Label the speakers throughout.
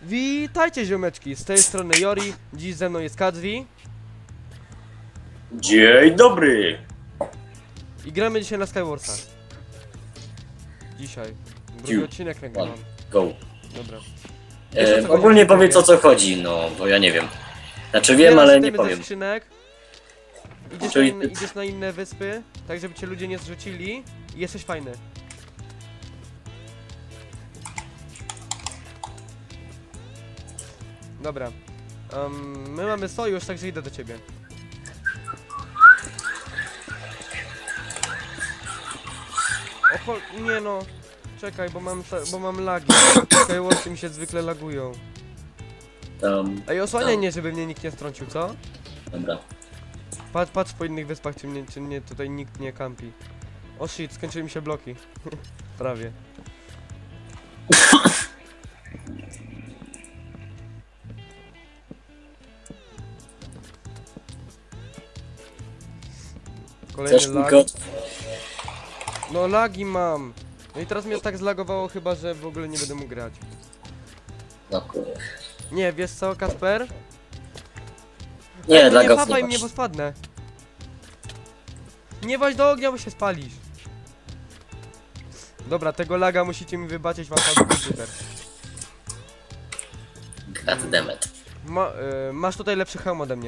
Speaker 1: Witajcie ziomeczki, z tej strony Jori, dziś ze mną jest Kadzwi
Speaker 2: Dzień dobry!
Speaker 1: i gramy dzisiaj na Skywarsa. Dzisiaj. Drugi odcinek nagrywam.
Speaker 2: Go.
Speaker 1: Dobra. Wiesz, o co
Speaker 2: Ogólnie
Speaker 1: chodzi?
Speaker 2: powiedz o co chodzi, no bo ja nie wiem. Znaczy wiem,
Speaker 1: Zbierasz
Speaker 2: ale nie
Speaker 1: itemy ze
Speaker 2: powiem.
Speaker 1: skrzynek, idziesz,
Speaker 2: Czyli-
Speaker 1: idziesz na inne wyspy, tak żeby cię ludzie nie zrzucili i jesteś fajny. Dobra. My mamy sojusz, także idę do ciebie. Oho, nie no. Czekaj, bo mam lagi. Skywarsy mi się zwykle lagują. Ej, osłaniaj mnie, żeby mnie nikt nie strącił, co?
Speaker 2: Dobra.
Speaker 1: Patrz po innych wyspach, czy mnie tutaj nikt nie kampi. O shit, skończyły mi się bloki. Prawie. Kolejny
Speaker 2: Chcesz mi
Speaker 1: lag.
Speaker 2: kod?
Speaker 1: No lagi mam. No i teraz mnie tak zlagowało chyba, że w ogóle nie będę mógł grać.
Speaker 2: No kurde.
Speaker 1: Nie, wiesz co, Kasper?
Speaker 2: Nie,
Speaker 1: Nie
Speaker 2: dla go
Speaker 1: papaj
Speaker 2: nie
Speaker 1: mnie,
Speaker 2: masz.
Speaker 1: bo spadnę. Nie weź do ognia, bo się spalisz. Dobra, tego laga musicie mi wybaczyć, mam słaby komputer.
Speaker 2: Goddammit.
Speaker 1: Masz tutaj lepszy hełm ode mnie.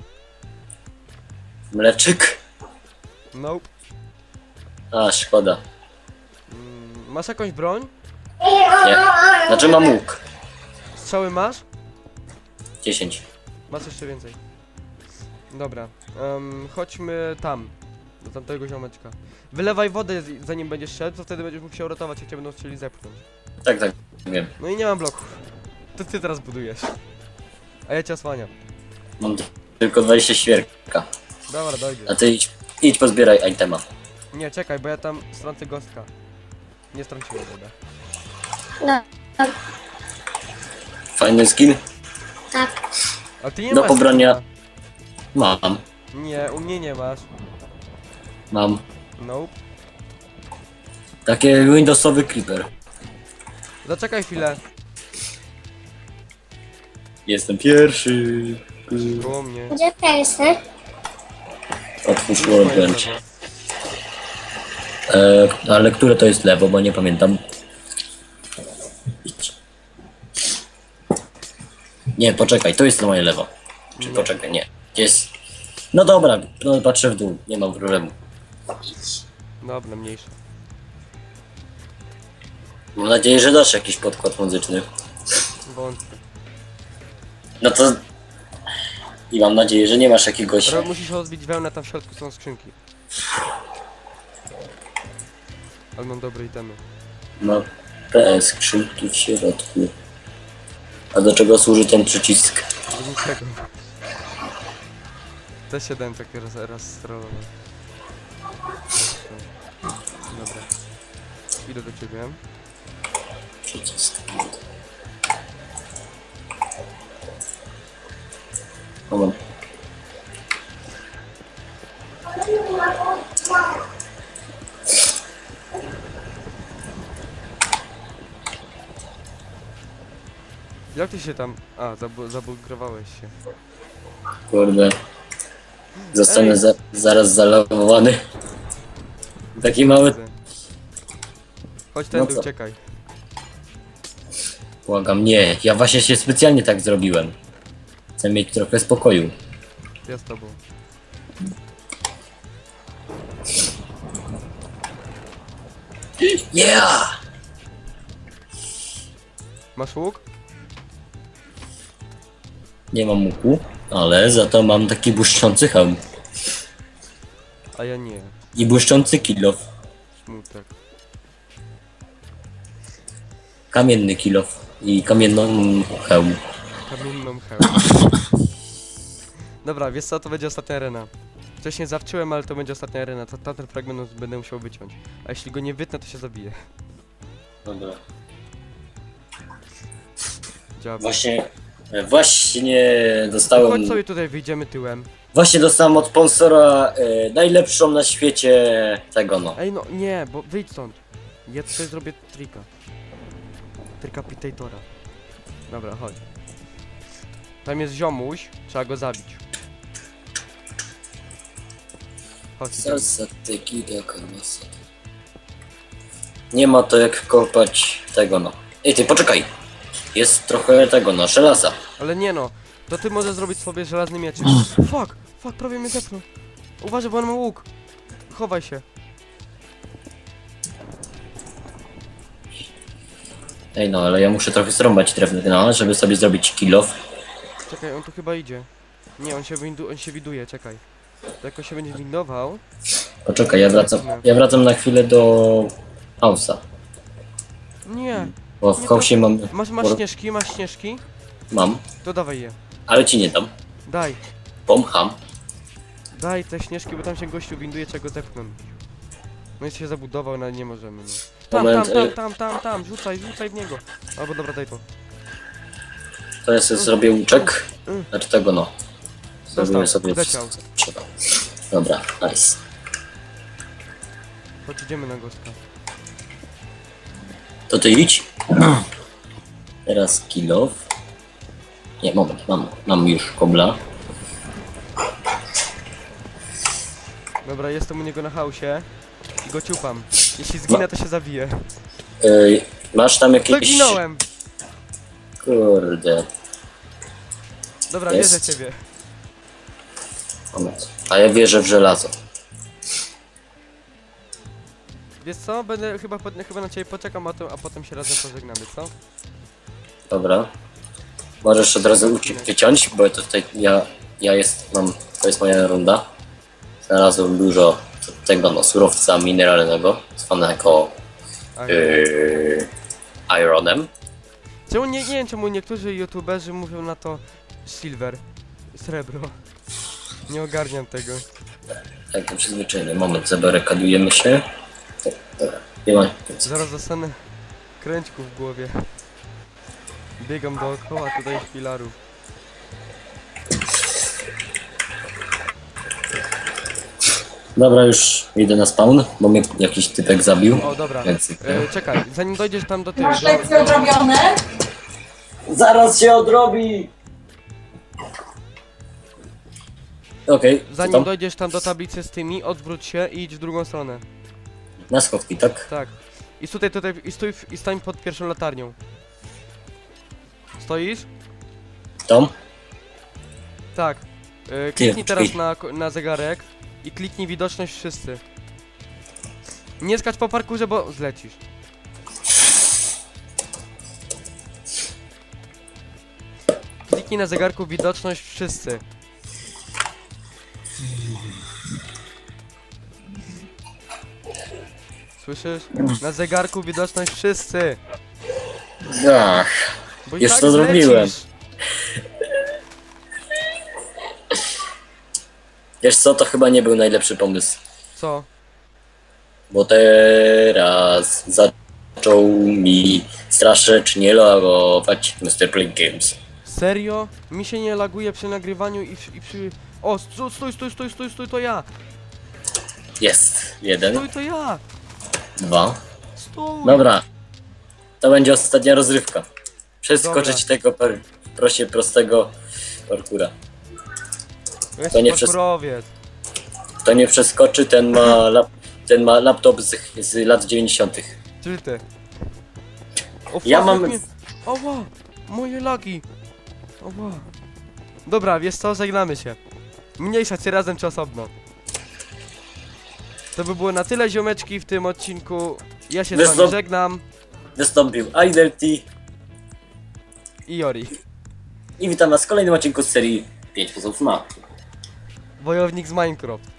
Speaker 2: Mleczyk?
Speaker 1: Nope.
Speaker 2: A, szkoda.
Speaker 1: Masz jakąś broń?
Speaker 2: Nie. Znaczy mam łuk.
Speaker 1: Strzały masz?
Speaker 2: 10.
Speaker 1: Masz jeszcze więcej. Dobra, chodźmy tam. Do tamtego ziomeczka. Wylewaj wodę zanim będziesz szedł, to wtedy będziesz mógł się uratować, jak cię będą chcieli zepchnąć.
Speaker 2: Tak, wiem.
Speaker 1: No i nie mam bloków. To ty teraz budujesz. A ja cię osłaniam.
Speaker 2: Mam tylko 20 świerka.
Speaker 1: Dobra, dojdzie.
Speaker 2: A ty idź pozbieraj itema.
Speaker 1: Nie, czekaj, bo ja tam strącę gostka. Nie strąciłem wodę.
Speaker 3: No,
Speaker 2: Fajny skin?
Speaker 3: tak.
Speaker 1: A ty nie
Speaker 2: Do
Speaker 1: masz
Speaker 2: pobrania.
Speaker 1: skina.
Speaker 2: Mam.
Speaker 1: Nie, u mnie nie masz.
Speaker 2: Mam.
Speaker 1: Nope.
Speaker 2: Takie Windowsowy creeper.
Speaker 1: Zaczekaj chwilę.
Speaker 2: Jestem pierwszy.
Speaker 1: Koło mnie.
Speaker 3: Gdzie ty jesteś?
Speaker 2: Otwórz workbench. Ale które to jest lewo, bo nie pamiętam. Idź. Nie, poczekaj, to jest moje lewo. Czy
Speaker 1: Nie.
Speaker 2: poczekaj, nie. Gdzie jest? No dobra, no patrzę w dół, nie mam problemu.
Speaker 1: Dobra, mniejsza.
Speaker 2: Mam nadzieję, że dasz jakiś podkład muzyczny.
Speaker 1: Wątpię.
Speaker 2: No to... I mam nadzieję, że nie masz jakiegoś...
Speaker 1: Musisz rozbić wełnę, tam w środku są skrzynki. Ale mam dobre itemy.
Speaker 2: No, te skrzynki w środku. A do czego służy ten przycisk?
Speaker 1: Do niczego. Też się dałem takie raz strollować. Dobra. Idę do ciebie.
Speaker 2: Przycisk. O, mam.
Speaker 1: Jak ty się tam... A, zabugrowałeś się.
Speaker 2: Kurde. Zostanę
Speaker 1: Ej.
Speaker 2: zaraz zalogowany. Taki mały...
Speaker 1: Widzę. Chodź
Speaker 2: No
Speaker 1: tędy,
Speaker 2: co?
Speaker 1: uciekaj.
Speaker 2: Błagam, nie. Ja właśnie się specjalnie tak zrobiłem. Chcę mieć trochę spokoju.
Speaker 1: Ja z tobą.
Speaker 2: Yeah!
Speaker 1: Masz łuk?
Speaker 2: Nie mam łuku, ale za to mam taki błyszczący hełm.
Speaker 1: A ja nie.
Speaker 2: I błyszczący kilof.
Speaker 1: Smutek.
Speaker 2: Kamienny kilof. I kamienną hełm.
Speaker 1: Kamienną hełm. Dobra, wiesz co, to będzie ostatnia arena. Wcześniej zawczyłem, ale to będzie ostatnia arena. Ten fragment będę musiał wyciąć. A jeśli go nie wytnę, to się zabije.
Speaker 2: Dobra.
Speaker 1: Działa.
Speaker 2: Właśnie
Speaker 1: Chodź
Speaker 2: dostałem...
Speaker 1: sobie tutaj, wyjdziemy tyłem.
Speaker 2: Właśnie dostałem od sponsora najlepszą na świecie tego no.
Speaker 1: Ej no, nie, bo wyjdź stąd. Ja tutaj zrobię trika. Trikapitatora. Dobra, chodź. Tam jest ziomuś, trzeba go zabić. Chodź, idziemy.
Speaker 2: Zasatyki do kalmasa. Nie ma to jak kopać tego no. Ej ty, poczekaj! Jest trochę tego no, żelaza.
Speaker 1: Ale nie no, to ty możesz zrobić sobie żelazny miecz. Fuck, prawie mnie zepnął. Uważaj, bo on ma łuk. Chowaj się.
Speaker 2: Ej no, ale ja muszę trochę zrąbać drewno, żeby sobie zrobić kill off.
Speaker 1: Czekaj, on tu chyba idzie. Nie, on się widuje, czekaj. To jak on się będzie windował...
Speaker 2: Poczekaj, ja wracam na chwilę do house'a.
Speaker 1: Nie,
Speaker 2: Bo w
Speaker 1: Nie,
Speaker 2: house'ie mam...
Speaker 1: masz śnieżki?
Speaker 2: Mam,
Speaker 1: To dawaj je.
Speaker 2: ale ci nie dam.
Speaker 1: Daj,
Speaker 2: Pomcham.
Speaker 1: daj te śnieżki, bo tam się gościu winduje, czego zepchnąć. No i się zabudował, no ale nie możemy, no.
Speaker 2: Moment,
Speaker 1: Tam, rzucaj w niego. Albo dobra, daj to.
Speaker 2: To ja sobie zrobię łuczek. Znaczy tego no. Zrobimy
Speaker 1: Dostał,
Speaker 2: sobie
Speaker 1: leciał.
Speaker 2: wszystko, co trzeba. Dobra, nice.
Speaker 1: Chodź, idziemy na gostka.
Speaker 2: To ty idź. Teraz kill off. Nie, moment, mam już kobla.
Speaker 1: Dobra, jestem u niego na hausie. I go ciupam. Jeśli zginę, to się zabiję.
Speaker 2: Masz tam jakieś...
Speaker 1: Zaginąłem!
Speaker 2: Kurde.
Speaker 1: Dobra,
Speaker 2: Jest.
Speaker 1: wierzę ciebie.
Speaker 2: Moment. A ja wierzę w żelazo.
Speaker 1: Wiesz co? Będę chyba na ciebie poczekam, a potem się razem pożegnamy, co?
Speaker 2: Dobra. Możesz od razu uciek wyciąć, bo to tutaj to jest moja runda. Znalazłem dużo tego no, surowca mineralnego, zwanego ironem.
Speaker 1: Czemu nie wiem czemu niektórzy youtuberzy mówią na to silver, srebro. Nie ogarniam tego.
Speaker 2: Tak, to przyzwyczajenie. Moment, zabarykadujemy się. Dobra, nie ma.
Speaker 1: Zaraz dostanę kręćku w głowie. Biegam dookoła tutaj filarów.
Speaker 2: Dobra, już idę na spawn, bo mnie jakiś typek zabił.
Speaker 1: O, dobra.
Speaker 2: Więc...
Speaker 1: Czekaj, zanim dojdziesz tam do tyłu.
Speaker 4: Masz lekcje odrobione?
Speaker 2: Zaraz się odrobi! Okej, co
Speaker 1: Zanim
Speaker 2: tam?
Speaker 1: dojdziesz tam do tablicy z tymi, odwróć się i idź w drugą stronę.
Speaker 2: Na schodki, tak?
Speaker 1: Tak. I i stań pod pierwszą latarnią. Stoisz?
Speaker 2: Tom?
Speaker 1: Tak. Kliknij teraz
Speaker 2: czekaj.
Speaker 1: na zegarek i kliknij widoczność wszyscy. Nie skacz po parkurze, bo zlecisz. Kliknij na zegarku widoczność wszyscy. Słyszysz? Na zegarku widoczność wszyscy.
Speaker 2: Ach,
Speaker 1: Bo i
Speaker 2: Już
Speaker 1: tak
Speaker 2: to zrobiłem.
Speaker 1: zlecisz.
Speaker 2: wiesz co, to chyba nie był najlepszy pomysł.
Speaker 1: Co?
Speaker 2: Bo teraz zaczął mi strasznie lagować Mr. Play Games.
Speaker 1: Serio? Mi się nie laguje przy nagrywaniu i przy... O, stój, to ja!
Speaker 2: Jest. 1,
Speaker 1: Stój, to ja!
Speaker 2: 2.
Speaker 1: Stój!
Speaker 2: Dobra. To będzie ostatnia rozrywka. Przeskoczyć
Speaker 1: Dobra.
Speaker 2: tego prostego parkura.
Speaker 1: Jest
Speaker 2: to nie
Speaker 1: parkurowiec.
Speaker 2: To nie przeskoczy, ten ma laptop z lat 90.
Speaker 1: Czyli ty. O,
Speaker 2: Ja
Speaker 1: fuck,
Speaker 2: mam-
Speaker 1: jak mnie... Oła! Moje lagi! Oła! Dobra, wiesz co? Żegnamy się. Mniejsza czy razem, czy osobno. To by było na tyle, ziomeczki, w tym odcinku. Ja się z wami żegnam.
Speaker 2: Wystąpił Idelty
Speaker 1: I Jori.
Speaker 2: i witam was w kolejnym odcinku z serii 5 sposobów na.
Speaker 1: Wojownik z Minecraft.